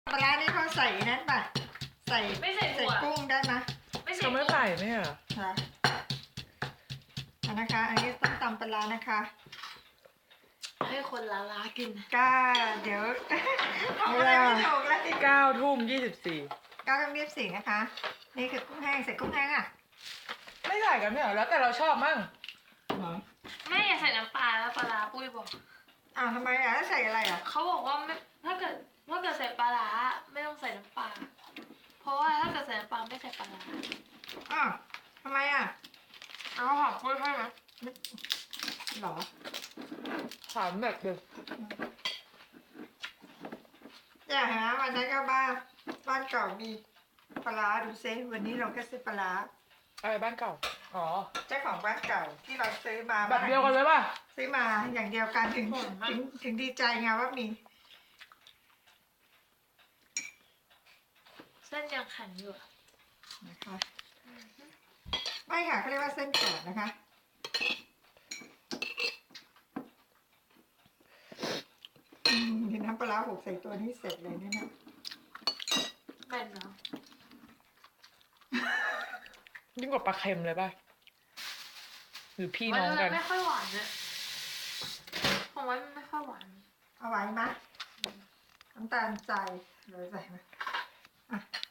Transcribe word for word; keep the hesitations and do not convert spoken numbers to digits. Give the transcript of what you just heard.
ปลาร้านี่เขาใส่นั่นป่ะใส่ไม่ใส่ใส่ถั่วกุ้งได้ไหมไม่ใส่เขาไม่ใส่ไหมอ่ะค่ะอันนะคะ อันนี้ต้มตำปลาร้านะคะให้คนละล้ากินก้าเดี๋ยวทำอะไรไม่ถูกเลยเก้าทุ่มยี่สิบสี่ก้าต้องเรียบสีนะคะ นี่คือกุ้งแห้งใส่กุ้งแห้งอ่ะไม่ใส่กันไม่เหรอแล้วแต่เราชอบมั่งไม่อย่าใส่น้ำปลาแล้วปลาร้าปุ้ยบอกอ้าวทำไมอ่ะแล้วใส่อะไรอ่ะเขาบอกว่าไม่ถ้าเกิดถ้าเกิดใส่ปลาร้าไม่ต้องใส่น้ำปลาเพราะว่าถ้าเกิดใส่น้ำปลาไม่ใส่ปลาร้าอ้าวทำไมอ่ะเอาหอมปุ้ยให้ไหมหรอถามแบบเดิมอย่าหาวันนั้นก็บ้านบ้านเก่ามีปลาร้าดูซิวันนี้เราก็ซื้อปลาร้าอะไรบ้านเก่าอ๋อเจ้าของบ้านเก่าที่เราซื้อมาแบบเดียวกันเลยป่ะซื้อมาอย่างเดียวกันถึงถึงถึงดีใจไงว่ามีเส้นยังแข็งอยู่อะนะคะไม่ค่ะเขาเรียกว่าเส้นกรอบนะคะอืมเห็นน้ำปลาร้าหกใส่ตัวนี้เสร็จเลยเนี่ยนะแม่นเนาะยิ่งกว่าปลาเค็มเลยป่ะหรือพี่มันน้องกันไม่ค่อยหวานเนี่ยผมว่ามันไม่ค่อยหวานเอาไว้ไหมน้ำตาลใจเลยใส่ไหมอ่ะ